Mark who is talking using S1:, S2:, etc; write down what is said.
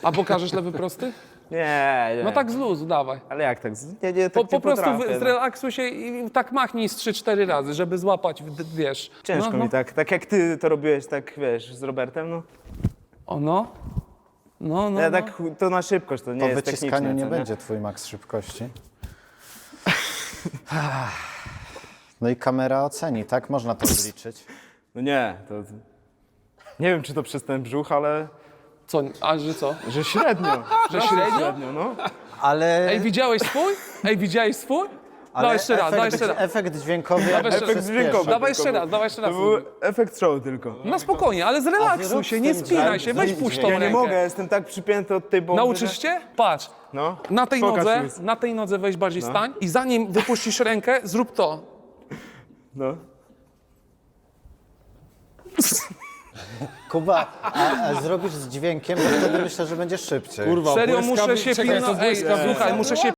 S1: A pokażesz lewy prosty?
S2: Nie.
S1: No tak z luzu, dawaj.
S2: Ale jak tak? Nie, tak
S1: Po
S2: nie
S1: prostu
S2: potrafię, no.
S1: zrelaksuj się i tak machnij z 3-4 razy, żeby złapać, wiesz.
S2: Ciężko
S1: no,
S2: mi tak. Tak jak ty to robiłeś, tak wiesz, z Robertem, no.
S1: O no. No.
S2: Ja tak to na szybkość, to nie
S3: Po
S2: jest
S3: wyciskaniu
S2: techniczne.
S3: nie
S2: co
S3: będzie twój maks szybkości. No i kamera oceni, tak? Można to zliczyć.
S2: No nie, to... Nie wiem, czy to przez ten brzuch, ale...
S1: Co, a że co?
S2: Że średnio.
S1: Że średnio?
S2: Średnio, no.
S3: Ale,
S1: Ej, widziałeś swój? Ej, widziałeś swój?
S3: ale
S1: Dawaj jeszcze raz, dawaj jeszcze raz.
S3: efekt dźwiękowy jakby
S1: Efekt
S3: przyspiesza.
S2: dźwiękowy.
S1: Dawaj
S2: tylko
S1: jeszcze raz,
S2: był.
S1: dawaj jeszcze raz.
S2: To był efekt show tylko.
S1: No spokojnie, ale
S3: A
S1: zrelaksuj
S3: zrób
S1: się,
S3: z
S1: nie
S3: tym
S1: spinaj się, weź
S3: dźwiękiem.
S1: puść tą
S2: Ja nie
S1: rękę.
S2: mogę, jestem tak przypięty od tej bomby.
S1: Nauczysz się? Patrz,
S2: No.
S1: na
S2: mi.
S1: tej nodze weź bardziej stań i zanim wypuścisz rękę, zrób to.
S2: No.
S3: Kuba, a zrobisz z dźwiękiem, to wtedy myślę, że będzie szybciej.
S1: Serio muszę się
S4: Czekaj, to
S1: pilnować. Ej,
S4: błyskawica
S1: słuchaj, muszę się